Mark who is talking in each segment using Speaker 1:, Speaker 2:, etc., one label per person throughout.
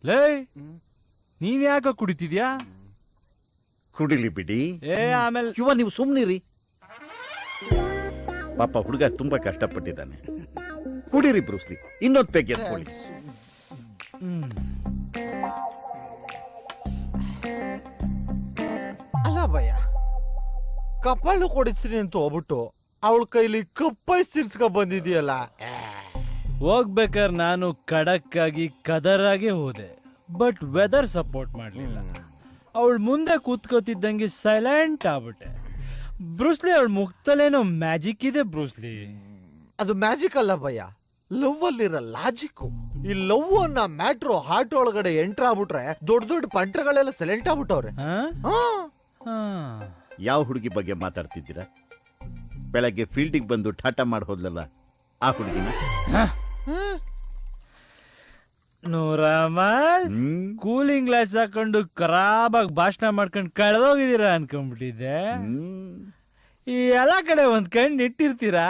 Speaker 1: ಲೇ ನೀನ್ ಯಾಕ ಕುಡಿತಿದ್ಯಾ?
Speaker 2: ಕುಡಿಲಿ ಬಿಡಿ.
Speaker 1: ಆಮೇಲೆ
Speaker 2: ಯುವ ನೀವು ಸುಮ್ನಿರಿ. ಪಾಪ ಹುಡುಗ ತುಂಬಾ ಕಷ್ಟಪಟ್ಟಿದ್ದಾನೆ. ಕುಡೀರಿ ಬ್ರೂಸ್ಲಿ. ಇನ್ನೊಂದು ಪೆಗ್ ಎತ್ಕೊಳ್ಳಿ.
Speaker 3: ಅಲ್ಲ ಭಯ್ಯ, ಕಪಾಳು ಕೊಡಿಸ್ತೀನಿ ಅಂತ ಹೋಗ್ಬಿಟ್ಟು ಅವಳ ಕೈಲಿ ಕಪ್ಪೈ ಸಿರ್ಸ್ಕ ಬಂದಿದೆಯಲ್ಲ.
Speaker 1: ಹೋಗ್ಬೇಕಾದ್ರೆ ನಾನು ಖಡಕ್ ಆಗಿ ಕದರಾಗೆ ಹೋದೆ, ಬಟ್ ವೆದರ್ ಸಪೋರ್ಟ್ ಮಾಡ್ಲಿಲ್ಲ. ಅವಳು ಮುಂದೆ ಕೂತ್ಕೋತಿದ್ದಂಗೆ ಸೈಲೆಂಟ್ ಆಗ್ಬಿಟ್ಟೆ. ಬ್ರೂಸ್ಲಿ ಅವಳ ಮುಖದಲ್ಲೇನೋ ಮ್ಯಾಜಿಕ್ ಇದೆ ಬ್ರೂಸ್ಲಿ.
Speaker 3: ಅದು ಮ್ಯಾಜಿಕ್ ಅಲ್ಲ ಭಯ್ಯ, ಲವ್ ಅಲ್ಲಿರೋ ಲಾಜಿಕ್. ಈ ಲವ್ ಅನ್ನ ಮ್ಯಾಟ್ರೋ ಹಾರ್ಟ್ ಒಳಗಡೆ ಎಂಟ್ರ್ ಆಗ್ಬಿಟ್ರೆ ದೊಡ್ಡ ದೊಡ್ಡ ಪಂಟ್ರಗಳೆಲ್ಲ ಸೈಲೆಂಟ್ ಆಗ್ಬಿಟ್ಟವ್ರೆ.
Speaker 2: ಯಾವ ಹುಡುಗಿ ಬಗ್ಗೆ ಮಾತಾಡ್ತಿದ್ದೀರಾ? ಬೆಳಗ್ಗೆ ಫೀಲ್ಡಿಗೆ ಬಂದು ಟಾಟಾ ಮಾಡಿ ಹೋದ್ಲಲ್ಲ ಆ ಹುಡುಗಿನ?
Speaker 1: ನೂರಮ್ಮ ಕೂಲಿಂಗ್ ಗ್ಲಾಸ್ ಹಾಕೊಂಡು ಖರಾಬಾಗಿ ಭಾಷಣ ಮಾಡ್ಕೊಂಡು ಕಳೆದೋಗಿದ್ದೀರಾ ಅನ್ಕೊಂಡ್ಬಿಟ್ಟಿದ್ದೆ. ಈ ಎಲ್ಲ ಕಡೆ ಒಂದ್ ಕಣ್ಣು ಇಟ್ಟಿರ್ತೀರಾ?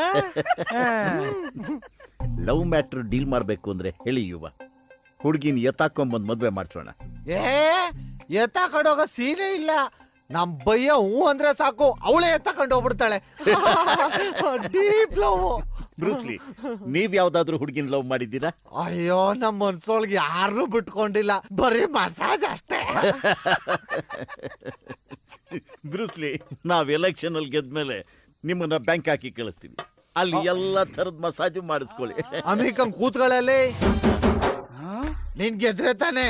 Speaker 2: ಲವ್ ಮ್ಯಾಟ್ರ್ ಡೀಲ್ ಮಾಡ್ಬೇಕು ಅಂದ್ರೆ ಹೇಳಿ ಯುವ, ಹುಡುಗಿನ ಎತ್ತಾಕೊಂಬಂದ್ ಮದ್ವೆ ಮಾಡ್ಸೋಣ.
Speaker 3: ಎತ್ತ ಕಡೋಗ ಸೀನೇ ಇಲ್ಲ. ನಮ್ ಬಯ್ಯ ಹೂ ಅಂದ್ರೆ ಸಾಕು, ಅವಳೇ ಎತ್ತಕೊಂಡು ಹೋಗ್ಬಿಡ್ತಾಳೆ. Deep love.
Speaker 2: ಬ್ರೂಸ್ಲಿ, ನೀವ್ ಯಾವ್ದಾದ್ರು ಹುಡುಗಿನ ಲವ್ ಮಾಡಿದ್ದೀರಾ?
Speaker 3: ಅಯ್ಯೋ, ನಮ್ ಮನ್ಸೊಳಗೆ ಯಾರು ಬಿಟ್ಕೊಂಡಿಲ್ಲ, ಬರೀ ಮಸಾಜ್ ಅಷ್ಟೇ.
Speaker 2: ಬ್ರೂಸ್ಲಿ, ನಾವ್ ಎಲೆಕ್ಷನ್ ಅಲ್ಲಿ ಗೆದ್ಮೇಲೆ ನಿಮ್ಮನ್ನ ಬ್ಯಾಂಕ್ ಹಾಕಿ ಕಳಿಸ್ತೀವಿ. ಅಲ್ಲಿ ಎಲ್ಲಾ ತರದ ಮಸಾಜು ಮಾಡಿಸ್ಕೊಳ್ಳಿ.
Speaker 3: ಅಮಿಕಂ ಕೂತ್ಗಳಲ್ಲಿ ನೀನ್ ಗೆದ್ರೆ ತಾನೆ.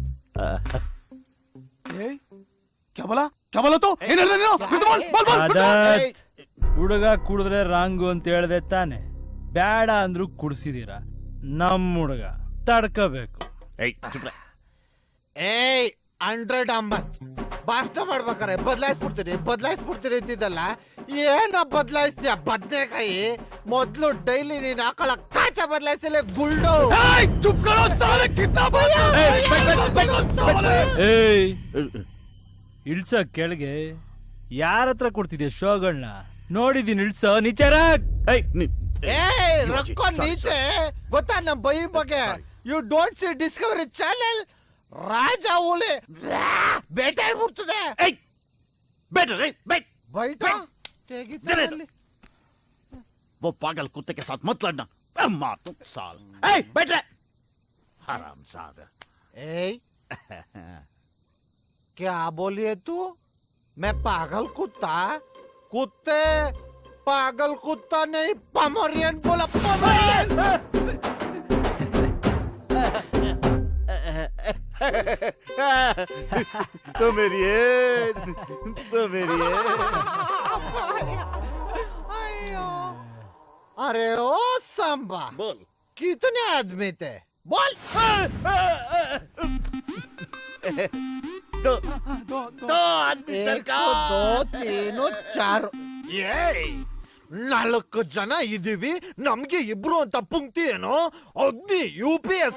Speaker 1: ಹುಡುಗ ಕುಡಿದ್ರೆ ರಾಂಗು ಅಂತ ಹೇಳ್ದೆ ತಾನೆ. ಬೇಡ ಅಂದ್ರು ಕುಡ್ಸಿದೀರ. ನಮ್ ಹುಡುಗ ತಡ್ಕೋಬೇಕು.
Speaker 3: ಏಯ್ 100 ಅಂಬತ್ ಭಾಷಣ ಮಾಡ್ಬೇಕಾರೆ ಬದಲಾಯಿಸ್ಬಿಡ್ತೀನಿ ಅಂತಿದ್ದಲ್ಲ. ಏನ ಬದಲಾಯಿಸ್ತೀಯ ಬದ್ನೆಕಾಯಿ? ಮೊದ್ಲು ಡೈಲಿ ನೀನ್ ಹಾಕೊಳ್ಳ ಕಾಚ ಬದಲಾಯಿಸಲೇ ಗುಲ್ಡು.
Speaker 1: ಇಳ್ಸ ಕೆಳಗೆ. ಯಾರ ಹತ್ರ ಕೊಡ್ತಿದ್ಯಾ ಶೋಗಳನ್ನ? ನೋಡಿದೀನಿ ಇಳ್ಸ ನಿಚಾರ.
Speaker 3: ರೊಕ್ಕ ನೀಚೆ ಗೊತ್ತಾ ನಮ್ ಬೈ ಬಗ್ಗೆ? You don't see Discovery channel. ರಾಜ ಹುಲಿ ಬೇಟೆ ಆಗ್ಬಿಡ್ತದೆ.
Speaker 2: वो पागल कुत्ते के साथ मत लड़ना. मार तुम साल. बैठ रहे हराम सादा.
Speaker 3: क्या बोली है तू? मैं पागल कुत्ता? कुत्ते पागल कुत्ता नहीं, पमोरियन बोला. पमोरियन.
Speaker 2: तो मेरी
Speaker 3: अरे ओ सांबा,
Speaker 2: बोल.
Speaker 3: कितने आदमी थे? बोल.
Speaker 2: दो आदमी सरकार.
Speaker 3: 1 2 3 4 4 ಜನ ಇದೀವಿ. ನಮ್ಗೆ ಇಬ್ರು ಅಂತ ಪುಂಕ್ತಿ ಏನೋ? ಅಗ್ನಿ UPS.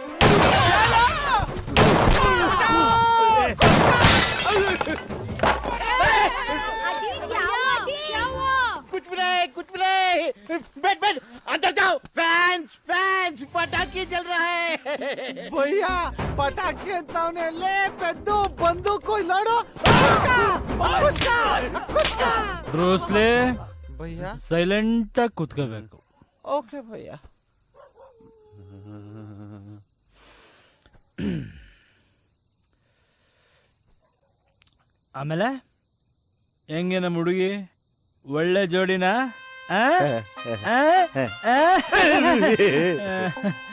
Speaker 2: कुछ भी नहीं. बैठ अंदर जाओ. फैंस पटाखे चल रहा है.
Speaker 3: भैया पटाखे अंतावने ले पेद्दू बंदूಕು ಇಲ್ಲೋಡು.
Speaker 1: ಬ್ರೂಸ್ಲಿ
Speaker 3: ಭಯ್ಯ
Speaker 1: ಸೈಲೆಂಟ್ ಆಗಿ ಕೂತ್ಕೋಬೇಕು.
Speaker 3: ಓಕೆ ಭಯ್ಯ.
Speaker 1: ಆಮೇಲೆ ಹೆಂಗೆ ನಮ್ಮ ಹುಡುಗಿ? ಒಳ್ಳೆ ಜೋಡಿನಾ?